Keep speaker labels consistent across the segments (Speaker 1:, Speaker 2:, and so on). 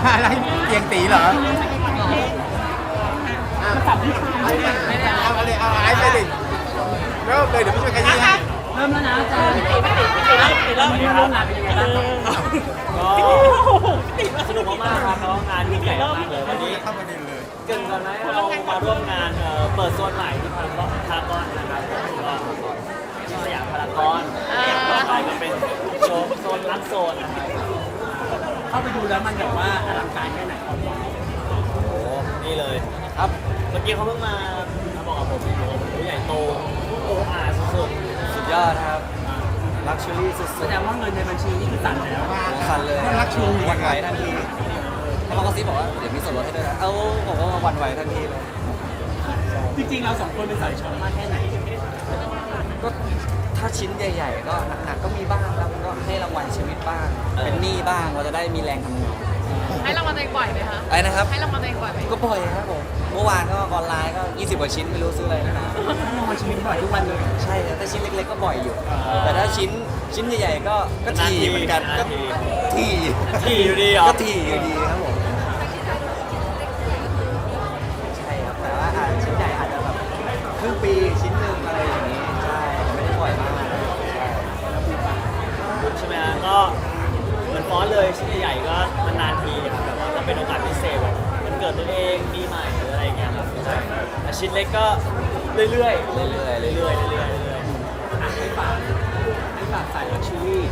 Speaker 1: อะไรเตียงตีเหรอเอาเลยเอาไอ้ไปดิเริ่มเลยเดี๋ยวพี่ช่วยขยี้ให้
Speaker 2: เริ่มแล้วนะอาจารย์เริ่มร่วมงานเป็นยังไงบ้างครับ
Speaker 3: ก็สนุกมากๆครับแล้วงานยิ่งใหญ่มากเลยวันนี้
Speaker 1: เข้าประเด็นเลย
Speaker 3: เกินกันไหมเรามาร่วมงานเปิดโซนใหม่ที่พารากอนนะครับก็ที่สยามพารากอนต่อไปก็เป็นโซนรักโซนนะครับ
Speaker 2: เข้าไปดูแล้วมันแบบว่าอลังการแค่ไหนครับ
Speaker 3: โอ้โหนี่เลยครับเมื่อกี้เขาเพิ่งมาบอกกับผมว่าใหญ่โตโอ้อาสุด
Speaker 4: สุดยอดครับลักชัวรี่สุ
Speaker 2: แส
Speaker 4: ด
Speaker 2: ดงว่าเงินในบัญชีนี่คือตันแล้ว
Speaker 4: ๆสั่นเลย
Speaker 1: รักชู
Speaker 4: หวันไหวทันทีแล้วเขาก็ซิบบอกว่าเดี๋ยวมีส่วนลดให้ด้วยนะผมก็หวันไหวทันทีเลย
Speaker 2: จริงๆเราสองคนเป็นสายช็อปมากแค่ไหน
Speaker 4: ก็ถ้าชิ้นใหญ่ๆก็หนักๆก็มีบ้างครับก็ให้รางวัลชีวิตบ้างเป็นหนี้บ้างเราจะได้มีแรงทำงาน
Speaker 5: ให้รางวัลตัวเองบ่อยไหมคะ
Speaker 4: ไอ้นะครับ
Speaker 5: ให้รางวัลตัวเองบ่อยไหม
Speaker 4: ก็บ่อยครับผมเมื่อวานก็ออนไลน์ก็20กว่าชิ้นไม่รู้ซื้ออะไรนะ
Speaker 2: รางวัลชีวิตบ่อยทุกวันเลย
Speaker 4: ใช่แต่ชิ้นเล็กๆก็บ่อยอยู่ แต่ถ้าชิ้นใหญ่ๆก็ถี่เหมือนกันก็ถี่
Speaker 3: ที่อยู่ดีเหรอ
Speaker 4: ก็ถี่อยู่ดีครับผมใช่ครับแต่ว่าชิ้นใหญ่อาจจะแบบครึ่งปีชิ้นหนึ่งอะไรอย่างนี้ใช่ไม่ได้บ่อยมากใช่
Speaker 3: ใช่ไหมฮะก็เหมือนฟอนต์เลยชิ้นใหญ่ๆก็นานๆทีครับแบบว่าก็เป็นโอกาสพิเศษแบบมันเกิดตัวเองปีใหม่หรืออะไรอย่างเงี้ยครับใช่แต่ชิ้นเล็กก็เรื่อยๆเรื่อยๆเรื่อยๆเรื่อยๆเรื่อยๆ
Speaker 2: ให้ฝากสายลักชัวรี่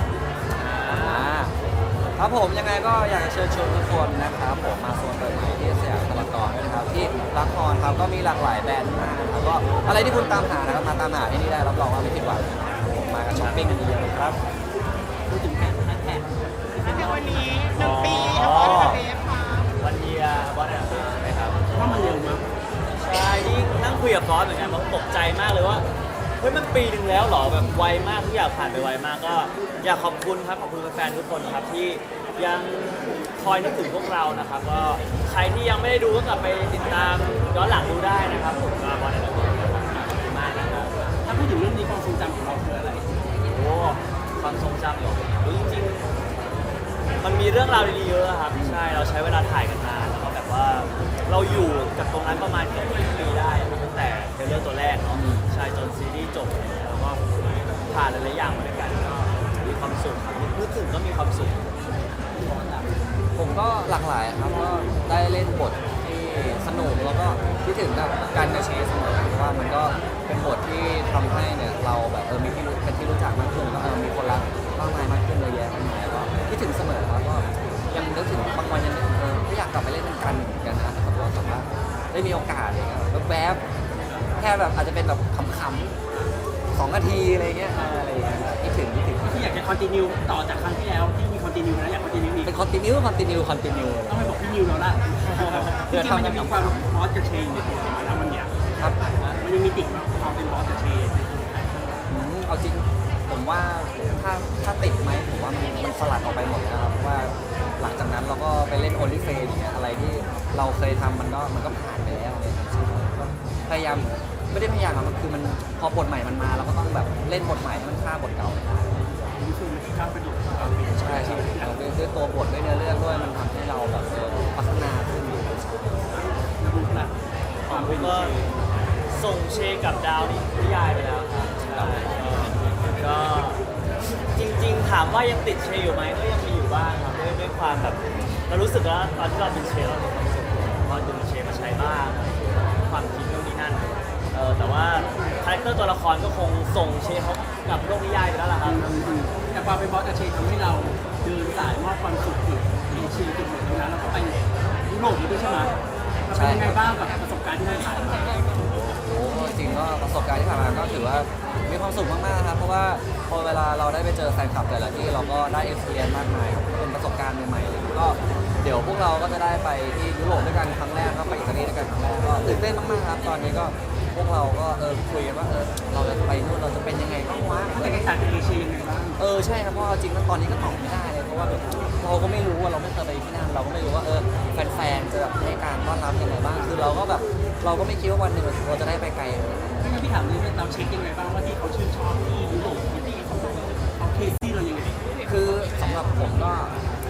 Speaker 4: ครับผมยังไงก็อยากจะเชิญชวนทุกคนนะครับผมมาโซนเปิดใหม่ที่สยามพารากอนด้วยนะครับที่รักคอนครับก็มีหลากหลายแบรนด์มากนะครับก็อะไรที่คุณตามหานะครับมาตามหาที่นี่ได้รับรองว่าไม่ผิดหวังนะครับผมมากันช้อปปิ้งกันเยอะๆครับ
Speaker 2: พูดถึงแฮชแท็ก
Speaker 5: ในวันนี้1 ปีเอาไว้กับเบฟค่ะ
Speaker 3: วันเยียวันอะไรนะครับ
Speaker 2: ว่ามันเร็วมาก
Speaker 3: ใช่นี่นั่งคุยกับฟอสเหมือนกันผมตกใจมากเลยว่าเฮ้ยมันปีหนึ่งแล้วเหรอแบบไวมากทุกอย่างผ่านไปไวมากก็อยากขอบคุณครับขอบคุณแฟนๆทุกคนครับที่ยังคอยนึกถึงพวกเรานะครับก็ใครที่ยังไม่ได้ดูก็กลับไปติดตามย้อนหลังดูได้นะครับผมก็บอลอะไรขอบคุณมากนะครับ
Speaker 2: ถ้าพูดถึงเรื่องนี้ความทรงจำของเราคืออะไร
Speaker 3: โอ้ความทรงจำเหรอจริงๆมันมีเรื่องราวดีๆเยอะครับใช่เราใช้เวลาถ่ายกันนานแล้วก็แบบว่าเราอยู่กับตรงนั้นประมาณเกือบ1 ปีได้ครับตั้งแต่เทรลเลอร์ตัวแรกเนาะใช่จนซีรีส์จบแล้วก็ผ่านหลายๆอย่างมาด้วยกันก็มีความสุขครับนึกถึงก็มีความสุข
Speaker 4: ผมก็หลากหลายครับก็ได้เล่นบทที่สนุกแล้วก็คิดถึงแบบการกระเชษเสมอเพราะว่ามันก็เป็นบทที่ทำให้เนี่ยเราแบบมีที่รู้เป็นที่รู้จักมากขึ้นแล้วก็มีคนรักมากมายมากขึ้นเยอะแยะมากมายก็คิดถึงเสมอครับก็ยังนึกถึงบางวันยังนึกก็อยากกลับไปเล่นกันเหมือนกันนะแต่ว่าแบบว่าได้มีโอกาสอะไรเงี้ยแวบๆแค่แบบอาจจะเป็นแบบขำๆ2 นาทีอะไรเงี้ยอะไรอย่างเงี้ยคิดถึง
Speaker 2: ที่อยากจะคอนติเนียต่อจากครั้งที่แล้วที่มีคอนติเนียแล้วอยากคอนติเนียอีก
Speaker 4: เป็นคอนติเนียเลย
Speaker 2: ต้องไปบอกพี่นิวแล้วล่ะจริงๆมันจะมีความบอสกับเชนอยู่แล้วมันเนี่ย
Speaker 4: ครับ
Speaker 2: มันยังมีติดความเป็นบอสกับเชน
Speaker 4: เอาจริงผมว่าถ้าติดไหมผมว่ามันสลัดออกไปหมดนะครับเพราะว่าหลังจากนั้นเราก็ไปเล่นโอลิเฟนอย่างเงี้ยอะไรที่เราเคยทำมันก็ผ่านไปแล้วเนี่ยก็พยายามไม่ได้พยายามอะมันคือมันพอบทใหม่มันมาเราก็ต้องแบบเล่นบทใหม่ให้มันฆ่าบทเก่าไม่ได้
Speaker 2: นี่คือมันที่ข้ามประโยชน์
Speaker 4: ใช่ด้วยตัวบทด้วยเนื้อเรื่องด้วยมันทำให้เราแบบพัฒนาขึ้น
Speaker 2: ระบุละความเป็น
Speaker 3: ก็ส่งเชกับดาวนี่นิยายไปแล้วครับใช่ก็จริงๆถามว่ายังติดเชอยู่ไหมก็ยังมีอยู่บ้างครับด้วยความแบบเรารู้สึกว่าตอนที่เราเป็นเชเรามีความสุขพอดึงเชมาใช้บ้างความคิดนู่นนี่นั่นแต่ว่าคาแรคเตอร์ตัวละครก็คงส่งเชเขากับโลกนิยายไปแล้วล่ะครับ
Speaker 2: แต่ความเป็นบอสกับเชนทำให้เราเดินสายมอบความสุขถึงเอเชียถึงเหมือนตรงนั้นแล้วก็ไปยุโรปด้วยใช่ไหมมันเป็นยังไงบ้างกับประสบการณ์ที่ได้ผ่านมา
Speaker 4: โอ้จริงก็ประสบการณ์ที่ผ่านมาก็ถือว่ามีความสุขมากๆครับเพราะว่าพอเวลาเราได้ไปเจอแฟนคลับแต่ละที่เราก็ได้ experience มากมายครับเป็นประสบการณ์ใหม่ๆเลยก็เดี๋ยวพวกเราก็จะได้ไปที่ยุโรปด้วยกันครั้งแรกก็ไปอิตาลีด้วยกันครั้งแรกก็ตื่นเต้นมากๆครับตอนนี้ก็พวกเราก็คุยกันว่าเราจะไปนู่นเราจะเป็นยังไงบ้างวะ
Speaker 2: บรรยากาศในเอเชียยังไงบ้าง
Speaker 4: ใช่ครับเพราะจริงๆตอนนี้ก็ตอบไม่ได้เลยเพราะว่าแบบเราก็ไม่รู้ว่าเราไม่เคยไปที่นั่นเราก็ไม่รู้ว่าแฟนๆจะแบบให้การต้อนรับยังไงบ้างคือเราก็แบบเราก็ไม่คิดว่าวันหนึ่งเราจะได้ไปไกลเลย
Speaker 2: งั้นพี่ถามเลยเราเช็คยังไงบ้างว่าที่เขาชื่นชอบที่ยุโรปที่เขาเคสที่เรายังไง
Speaker 4: คือสำหรับผมก็คือ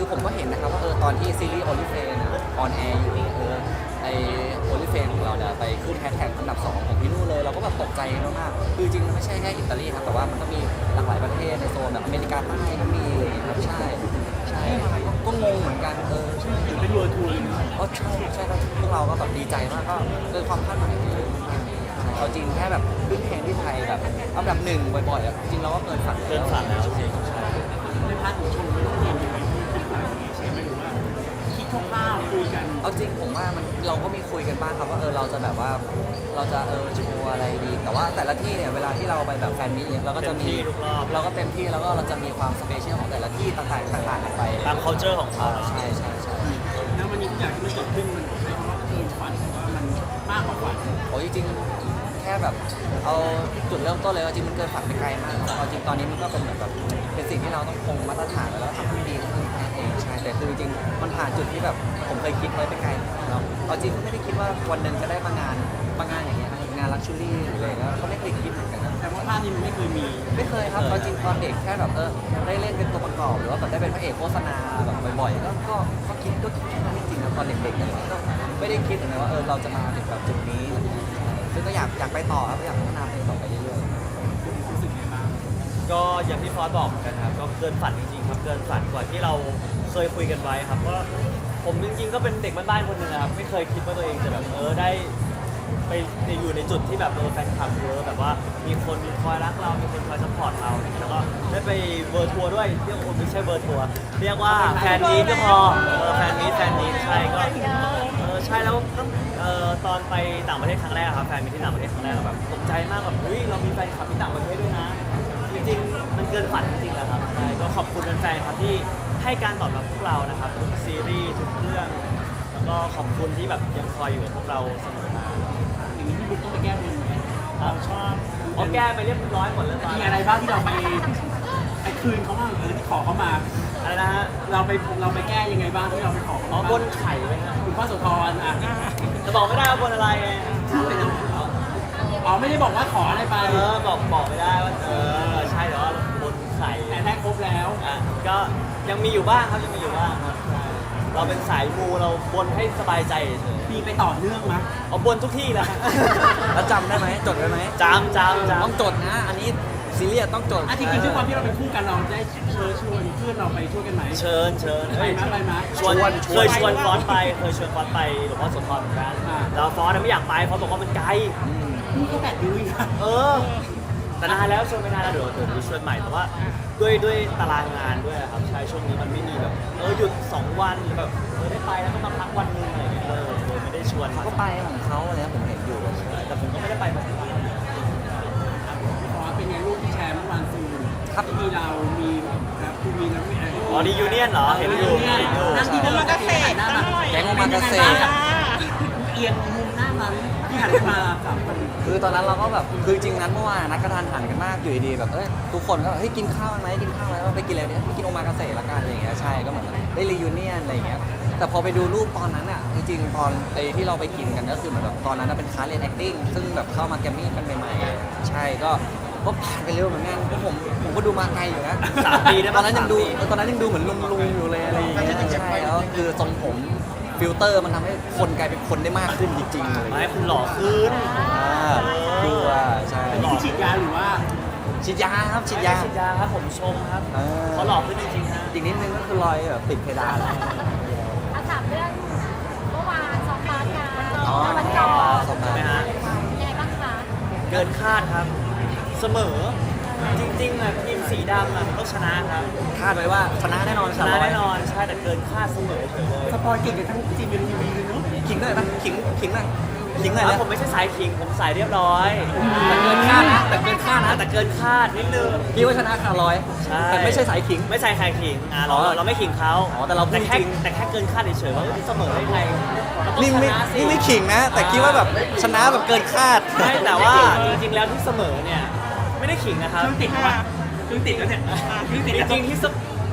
Speaker 4: ผมก็เห็นนะครับว่าตอนที่ซีรีส์โอลิเฟนออนแอร์อยู่ไอโอลิเฟนของเราเนี่ยไปขึ้นแฮชแท็กอันดับ 2 ของพี่นู่นเลยเราก็แบบตกใจมากๆคือจริงๆไม่ใช่แค่อิตาลีครับแต่ว่ามันก็มีหลากหลายประเทศในโซนแบบอเมริกาใต้ก็มีอะไรอย่างเงี้ยครับใช่ก็งงเหมือนกันใช่
Speaker 2: ถือเป็นเวอร์ทัวร์เลยนะ
Speaker 4: ใช่ครับพวกเราก็แบบดีใจมากก็เกินความคาดหมายที่เอาจริงแค่แบบขึ้นเพลงที่ไทยแบบอันดับ 1บ่อยๆอ่ะจริงเราก็เกินฝัน
Speaker 3: เกินฝันแล้วจริง
Speaker 4: ใช่
Speaker 2: ในพาร์ทของโชว์ไม่ต้องเรียนยังไงที่คิดอะไรอย่างเงี้ยใช่ไหมหรือว่าคิดคร่าวๆคุยกัน
Speaker 4: เอาจริงผมว่าเราก็มีคุยกันบ้างครับว่าเราจะแบบว่าเราจะโชว์อะไรดี แต่ว่าแต่ละที่เนี่ยเวลาที่เราไปแบบแฟนมิตเนี่ยเราก็จะมี
Speaker 3: เต็มที่ทุกรอบ
Speaker 4: เราก็เต็มที่แล้วก็เราจะมีความสเปเชียลของแต่ละที่ต่างๆกันไป
Speaker 3: ตาม culture ของเขา
Speaker 4: ใช่
Speaker 2: แล้ววันนี้ทุกอย่างที่มันเกิดขึ้นมันใช้คำว่าเกินฝันหรือว่ามันมากกว่าฝัน
Speaker 4: โอ้ยจริงๆแค่แบบเอาจุดเริ่มต้นเลยว่าจริงมันเกินฝันไปไกลมากครับเอาจริงตอนนี้มันก็เป็นเหมือนแบบเป็นสิ่งที่เราต้องคงมาตรฐานไว้แล้วทำให้ดีขึ้นแค่นั้นเองใช่แต่คือจริงๆมันผ่านจุดที่แบบผมเคยคิดไว้ไปไกลเนาะเอาจริงก็ไม่ได้คิดว่าวันหนึ่งจะได้มางานอย่างเงี้ยงานลักชัวรี่หรืออะไรเงี้ยก็ไม่เคยคิดเหมือนกันนะ
Speaker 2: แต่ว่าภาพนี้มันไม่เคยมี
Speaker 4: ไม่เคยครับตอนจริงตอนเด็กแค่แบบได้เล่นเป็นตัวประกอบหรือว่าแบบได้เป็นพระเอกโฆษณาแบบบ่อยๆก็คิดแค่นั้นจริงๆนะตอนเด็กๆอะไรเงี้ยก็ไม่ได้คิดนะว่าเราจะมาถึงแบบจุดนี้ซึ่งก็อยากไปต่อครับอยากพัฒนาไปต่อไปเรื่อยๆ
Speaker 2: รู้สึกไงบ้าง
Speaker 3: ก็อย่างที่ฟอสบอกเหมือนกันครับก็เกินฝันจริงๆครับเกินฝันกว่าที่เราเคยคุยกันไว้ครับก็ผมจริงๆก็เป็นเด็กบ้านๆคนหนึ่งนะครับไม่เคยคิดว่าตัวเองจะแบบได้ไปอยู่ในจุดที่แบบแฟนคลับเยอะแบบว่ามีคนคอยรักเรามีคนคอยซัพพอร์ตเราแล้วก็ได้ไปเวอร์ทัวร์ด้วยเรียกว่าไม่ใช่เวอร์ทัวร์เรียกว่าแฟนมีตก็พอแฟนมีตใช่ก็ใช่แล้วก็ตอนไปต่างประเทศครั้งแรกครับแฟนมีตที่ต่างประเทศครั้งแรกแบบตกใจมากแบบเฮ้ยเรามีแฟนคลับที่ต่างประเทศด้วยนะจริงๆมันเกินฝันจริงๆแหละครับใช่ก็ขอบคุณแฟนๆครับที่ให้การตอบรับพวกเรานะครับทุกซีรีส์ทุกเรื่องแล้วก็ขอบคุณที่แบบยังคอยอยู่กับพวกเราเสมอมา
Speaker 2: อย่างนี้พี่บุ๊กต้องไปแก้บนไหมเราชอบ
Speaker 3: อ๋อแก้ไปเรียบร้อยหมดแล้วตอน
Speaker 2: มี
Speaker 3: นี้
Speaker 2: อะไรบ้างที่เราไปคืนเขาบ้างที่ขอเขามา
Speaker 3: อะไรนะฮะ
Speaker 2: เราไปแก้ยังไงบ้างที่เราไปขอเขา
Speaker 3: อ๋อ
Speaker 2: มา
Speaker 3: บนไข่ไว้ฮะ
Speaker 2: คุณพ่อโสธรอ่ะ
Speaker 3: จะบอกไม่ได้ว่าบนอะไรไง
Speaker 2: อ๋อไม่ได้บอกว่าขออะไรไป
Speaker 3: บอกไม่ได้ว่าใช่หรือว่าบนไข่
Speaker 2: แต่ได้ครบแล้ว
Speaker 3: อ่ะก็ยังมีอยู่บ้างครับยังมีอยู่บ้างครับใช่เราเป็นสายมูเราบนให้สบายใจเฉย
Speaker 2: มีไปต่อเนื่องมั้ย
Speaker 3: เอาบนทุกที่แหละ
Speaker 4: แล้วจำได้ไหมจดไว้ไหม
Speaker 3: จำ
Speaker 4: ต้องจดนะ อันนี้ซีเรียสต้องจด
Speaker 2: จริงๆด้วยความที่เราเป็นคู่กันเราได้เชิญชวนเพื่อนเราไปช่วยกันไหม
Speaker 3: เชิญ
Speaker 2: ไปไหม
Speaker 3: ชวนเคยชวนฟอสไปหลวงพ่อโสธรเหมือนกันแล้วฟอสไม่อยากไปฟอสบอกว่ามันไกล
Speaker 2: นี่ก็แบบดูอีกนะ
Speaker 3: แต่นานแล้วชวนไม่นานแล้วเดี๋ยวมีชวนใหม่แต่ว่าด้วยตารางงานด้วยครับใช่ช่วงนี้มันไม่มีแบบหยุด2 วันหรือแบบได้ไปแล้วก็มาพักวันนึงอะไรอย่างเงี้ยเลยไม่ได้ชวน
Speaker 4: เขาก็ไปของเขาเนี่ยผมเห็นอยู่
Speaker 3: แต่ผมก็ไม่ได้ไปแบบนั้น
Speaker 2: ขอเป็นไงรูปที่แชร์เมื่อวานคือ
Speaker 4: ครับ
Speaker 2: มีเรามีครับคุณมีนะ
Speaker 3: อ๋อดียูเนียนเหรอเห็นอยู่
Speaker 2: นั่งที่นั่ง
Speaker 5: โอมากาเสะ
Speaker 2: หน้า
Speaker 5: ตั้
Speaker 2: มาง
Speaker 5: หน่อย
Speaker 4: แก๊งโอมากาเสะ
Speaker 2: เอียงมุมหน้ามันที่หันมากับคน
Speaker 4: คือตอนนั้นเราก็แบบคือจริงนั้นเมื่อวานนัดกระทานหันกันมากอยู่ดีๆแบบทุกคนก็เฮ้ยกินข้าวไหมไปกินอะไรเนี่ยไปกินโอมากาเสะละกันอะไรอย่างเงี้ยใช่ก็เหมือนได้รียูเนียนอะไรอย่างเงี้ยแต่พอไปดูรูปตอนนั้นอ่ะจริงๆตอนที่เราไปกินกันก็คือเหมือนแบบตอนนั้นเป็นคลาสเรียน acting ซึ่งแบบเข้ามาแกรมมี่กันใหม่ๆใช่ก็ผ่านไปเร็วเหมือนกันเพราะผมก็ดูมาไกลอยู่นะ
Speaker 3: 3 ปีได้
Speaker 4: ต
Speaker 3: ปะ
Speaker 4: อนนั้นยังดูเหมือนลุงอยู่เลยอะไรอย่างเงี้ยใช่แล้วคือทรงผมฟิลเตอร์มันทำให้คนกลายเป็นคนได้มากขึ้นจริงๆเลย
Speaker 3: มาให้คุณหล่อขึ้น
Speaker 4: ดูอ่ะใช่
Speaker 2: อันนี้คือฉีดยาหรือว่า
Speaker 4: ฉีดยาครับฉีดยา
Speaker 3: ฉีดยาครับผมชมครับเขาหล่อขึ้นจริงๆฮะ
Speaker 4: อีกนิดนึงก็คือรอยแบบติดเพดานแล้ว
Speaker 5: อาถามเรื่องเมื่อวานซ้อมบาสกัน
Speaker 4: อ๋อ
Speaker 5: วันก่อน
Speaker 4: ซ้อมบาส
Speaker 3: ใช่ไหมฮะ
Speaker 5: ยังไงบ้างคะ
Speaker 3: เกินคาดครับ เสมอจริงๆอ่ะทีมสีดำอ่ะต้องชนะครับ
Speaker 4: คาดไว้ว่าชนะแน่นอน
Speaker 3: ชนะแน่นอนใช่แต่เกินคาดเสมอเฉยเลย
Speaker 2: สปอยเก่งกันทั้งจีนเป็นทีวีเลยเนาะ
Speaker 4: ขิงหน่อยปะขิงหน่อยนะ
Speaker 3: แล้วผมไม่ใช่สายขิงผมสายเรียบร้อย
Speaker 4: แต่เกินคาดนะแต่เกินคาดนะ
Speaker 3: แต่เกินคาดนิดนึง
Speaker 4: พี่ว่าชนะขาดร้อย
Speaker 3: ใช่
Speaker 4: แต่ไม่ใช่สายขิง
Speaker 3: ไม่ใช่ใครขิงเรา
Speaker 4: อ๋อ
Speaker 3: เราไม่ขิงเขา
Speaker 4: อ๋อแต่เราพูด
Speaker 3: แค่
Speaker 4: จริง
Speaker 3: แต่แค่เกินคาดเฉยๆว่าเสมอได้ไงเราต้อง
Speaker 4: นี่
Speaker 3: ช
Speaker 4: ไม่
Speaker 3: นะสิ
Speaker 4: นี่ไม่ขิงนะ แต่คิดว่าแบบชนะแบบเกินคาด
Speaker 3: ใช่แต่ว่าจริงๆแล้วที่เสมอเนี่ยไม่ได้ขิงนะครับ
Speaker 2: เครื่องติดวะเครื่องติดแล้วเนี่ยเครื่องติด
Speaker 3: จ
Speaker 2: แล้ว
Speaker 3: ริงๆที่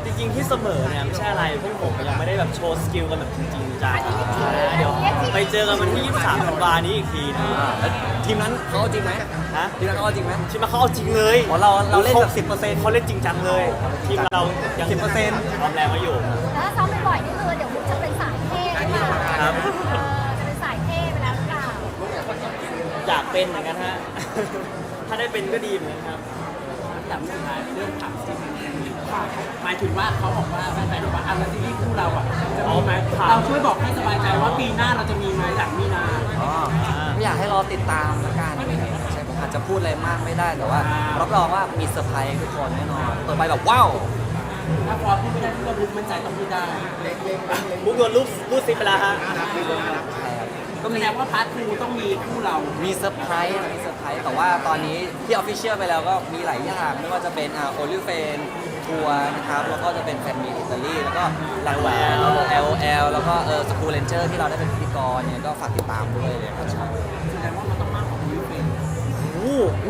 Speaker 3: จริงๆที่เสมอเนี่ยไม่ใช่อะไรพวกผมยังไม่ได้แบบโชว์สกิลกันแบบจริงๆจังเดี๋ยวไปเจอกันวันที่ 23 ธันวานี้อีกทีนะ
Speaker 4: แล้วทีมนั้นเขาเอาจริงไหม
Speaker 3: ฮะ
Speaker 4: ทีมนั้นเขาเอาจริงไหม
Speaker 3: ทีมมาเขาเอาจริงเลย
Speaker 4: อ๋อเราเล่นแบบ10%
Speaker 3: เขาเล่นจริงจังเลยทีมเรายัง
Speaker 4: 10%
Speaker 3: พร้อมแรงมาอยู่
Speaker 6: แล้วถ้าซ้อมบ่อยๆนี่คือเดี๋ยวมุกจะเป็นสายเท่หรือเปล่า
Speaker 3: ครับ
Speaker 6: จะเป็นสายเท่ไปแล้วหรือเปล่า
Speaker 3: อยากเป็นเหมือนกันฮะ ถ้าได้เป็นก็ดีเหมือนกันครับ
Speaker 2: แต่สุดท้ายเรื่องถามซีรีส์หมายถึงว่าเขาบอกว่าแฟนๆบอกว่าแล้วซีรีส์คู่เราอ่ะจะมีไหมเราช่วยบอกให้สบายใจว่าปีหน้าเราจะมีไหมหลังมีนา
Speaker 4: อ๋อไม่อยากให้รอติดตามละกันใช่ผมอาจจะพูดอะไรมากไม่ได้แต่ว่ารับรองว่ามีเซอร์ไพรส์ทุกคนแน่นอนเปิดไปแบบว้าว
Speaker 2: ถ้าพอพูดไม่ได้ก็รู้มั่นใจต้องพูดได้
Speaker 3: มุกโดนรูดซิปไปแล้วฮะ
Speaker 2: ก็แสดงว่าพาร์ททูต้องมีคู่เรา
Speaker 4: มีเซอร์ไพรส์แต่ว่าตอนนี้ที่ออฟฟิเชียลไปแล้วก็มีหลายอย่างไม่ว่าจะเป็นโอลิเฟนทัวร์นะครับแล้วก็จะเป็นแฟนมีอิตาลีแล้วก็หลักแหวน LL แล้วก็สกูเลนเจอร์ที่เราได้เป็นพิธีกรเนี่ยก็ฝากติดตามด้วยเลยครับ
Speaker 2: แสดงว่ามันต้องมากกว่ายูเป็น
Speaker 4: โอ้โห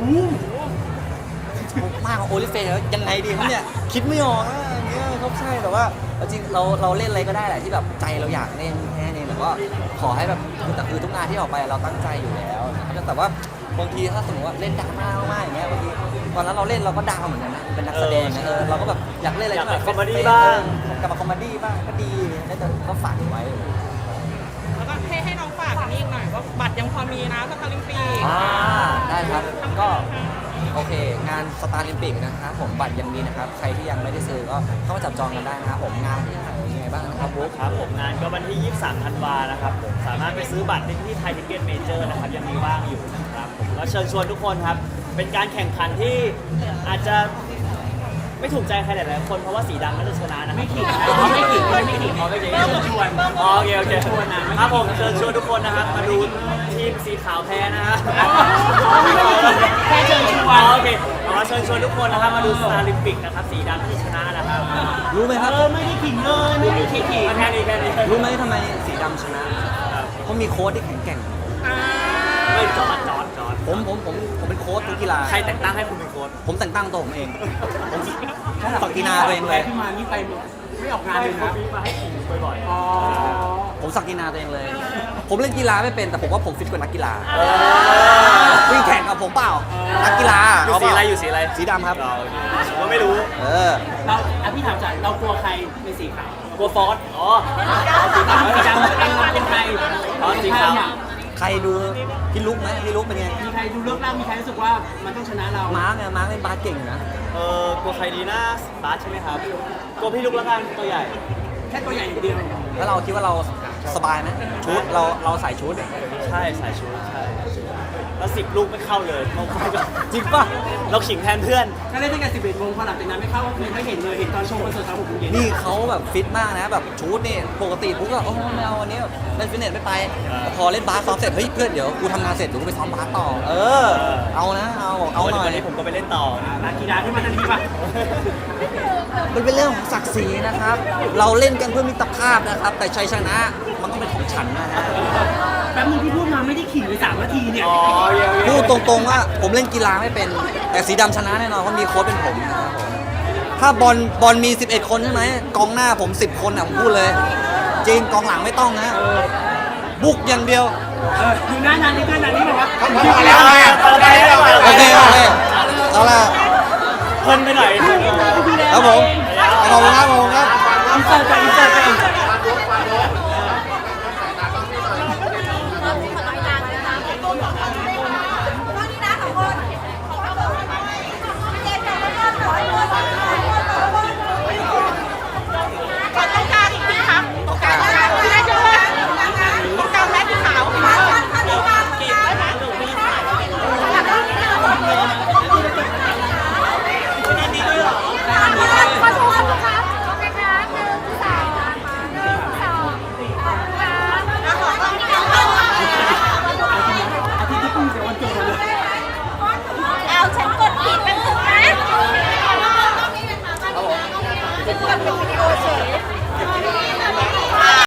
Speaker 4: มากกว่าโอลิเฟนแล้วยังไงดีครับเนี่ยคิดไม่ออกนะอย่างเงี้ยครับใช่แต่ว่าจริงเราเล่นอะไรก็ได้แหละที่แบบใจเราอยากเล่นแค่นี้แต่ก็ขอให้แบบแต่คือทุกงานที่ออกไปเราตั้งใจอยู่แล้วนะครับแต่ว่าบางทีถ้าสมมติว่าเล่นดราม่ามากๆอย่างเงี้ยบางทีตอนนั้นเราเล่นเราก็ดาวเหมือนกันนะเป็นนักแสดงนะเราก็แบบอยากเล่นอะไรที่แบบ
Speaker 3: อยากเป็นคอมเมดี้บ้าง
Speaker 4: กลับมาคอมเมดี้บ้างก็ดีแต่ก็ฝากไว้
Speaker 5: แล้วก็ให้น้องฝากกันนี่อีกหน่อยว่าบัตรยังพอมีนะสตาร์ลิมปีก
Speaker 4: ได้ครับก็โอเค งานสตาร์ลิมปิกนะครับผมบัตรยังมีนะครับใครที่ยังไม่ได้ซื้อก็เข้ามาจับจองกันได้นะครับผมงานที่ไหนยังไงบ้างนะครับบุ๊ค
Speaker 3: ครับผมงานก็วันที่ 23 ธันวานะครับผมสามารถไปซื้อบัตรได้ที่ไทยทิเก็ตเมเจอร์นะครับยังมีว่างอยู่นะครับผมก็เชิญชวนทุกคนครับ เป็นการแข่งขันที่อาจจะไม่ถูกใจใครหลายๆคนเพราะว่าสีดำน่าจะชนะนะครับ
Speaker 2: ไม่ขิงนะไม่ขิงไม่ขิง
Speaker 3: อ๋อไม่ขิง
Speaker 2: เริ่มชวน
Speaker 3: อ๋อโอเคโอเค
Speaker 2: ชวนนะ
Speaker 3: ครับผมเชิญชวนทุกคนนะครับมาดูทีมสีขาวแพ้นะฮะ
Speaker 2: แค่เชิญชวน
Speaker 3: อ๋อโอเคขอเชิญชวนทุกคนนะครับมาดูสตาร์ลิมปิกนะครับสีดำที่ชนะนะครับ
Speaker 4: รู้ไหมครับ
Speaker 2: ไม่ได้ขิงเลยไม่ได้ขิง
Speaker 3: แค่นี้แค่นี้
Speaker 4: รู้ไหมทำไมสีดำชนะเพราะมีโค้ชที่แข็งแกร่ง
Speaker 3: ไม่จอด
Speaker 4: ผมเป็นโค้ชทุกกีฬา
Speaker 3: ใครแต่งตั้งให้คุณเป็นโค้ช
Speaker 4: ผมแต่งตั้งตัวผมเองผมสักกีฬาตัวเองเลย
Speaker 2: พี่มานี่ไปไม่ออกงาน
Speaker 3: ให้
Speaker 2: เลย
Speaker 3: เขา
Speaker 2: นะ
Speaker 3: บีบมาให้ผมบ่อย
Speaker 2: อ๋อ
Speaker 4: ผมสักกีฬาตัวเองเลย ผมเล่นกีฬาไม่เป็นแต่ผมว่าผมฟิตกว่านักกีฬาวิ่งแข่งกับผมเปล่านักกีฬา
Speaker 3: ๆอยู่สีอะไรอยู่สีอะไร
Speaker 4: สีดำครับ
Speaker 3: เราผมก็ไม่รู้
Speaker 2: เราพี่ถามจ่ายเรากลัวใครในสีขาว
Speaker 3: กลัวฟอสอ๋อ
Speaker 2: สีดำเป็นใคร
Speaker 3: อ๋อสีขาว
Speaker 4: ใครดูพี่ลุกไหมพี่ลุกเป็นไง
Speaker 2: มีใครดูเลือกร่างมีใครรู้สึกว่ามันต้องชนะเรา
Speaker 4: มาร์กเนี่ยมาร์กเล่นบาสเก่งอยู่นะ
Speaker 3: กลัวใครดีนะบาสใช่ไหมครับกลัวพี่ลุกแล้วกันตัวใหญ่
Speaker 2: แค่ตัวใหญ่อย่างเดียว
Speaker 4: แล้วเราคิดว่าเราสบายไหมชุดเราใส่ชุด
Speaker 3: ใช่ใส่ชุดใช่แล้ว10 ลูกไม่เข้าเลยเราก็
Speaker 4: จริงป่ะ
Speaker 3: เราขิงแทนเพื่อน
Speaker 2: ถ้าเล่นตั้งแต่11 โมงพอหลังจากนั้นไม่เข้าไม่เห็นเลยเห็นตอนชมคอนเสิร์ตตอน6 โมงเย็น
Speaker 4: นี่เขาแบบฟิตมากนะแบบชุดนี่ปกติปุ๊กก็โอ้ไม่เอาวันนี้เล่นฟิตเนสไม่ไปแต่พอเล่นบาสซ้อมเสร็จเฮ้ยเพื่อนเดี๋ยวกูทำงานเสร็จเดี๋ยวกูไปซ้อมบาสต่อเอานะเอาหน่อย
Speaker 3: วันนี้ผมก็ไปเล่นต่อ
Speaker 2: นักกีฬาที่มาทันทีป่ะ
Speaker 4: มันเป็นเรื่องของศักดิ์ศรีนะครับ เราเล่นกันเพื่อมิตรภาพนะครับ แต่ชัยชนะมันต้องเป็นของฉันนะฮะ
Speaker 2: แป๊บนึงที่พูดมาไม่ได้ขิงเลย3 นาทีเนี่ย
Speaker 3: อ๋อเยี่ยม
Speaker 4: พูดตรงๆว่าผมเล่นกีฬาไม่เป็น แต่สีดำชนะแน่นอนเพราะมีโค้ชเป็นผมนะครับผมถ้าบอลมี 11 คนใช่ไหมกองหน้าผม10 คนอ่ะผมพูดเลย จริงกองหลังไม่ต้องนะ บุกอย่างเดียว
Speaker 2: อยู่หน้านานนี่แบบว่า
Speaker 1: พอแล้วไงพอแล้ว
Speaker 4: โอเคเอาละ
Speaker 3: เพลินไปหน่อย
Speaker 4: ครับผมขอบคุณครับ
Speaker 2: อินเสิร์ตไป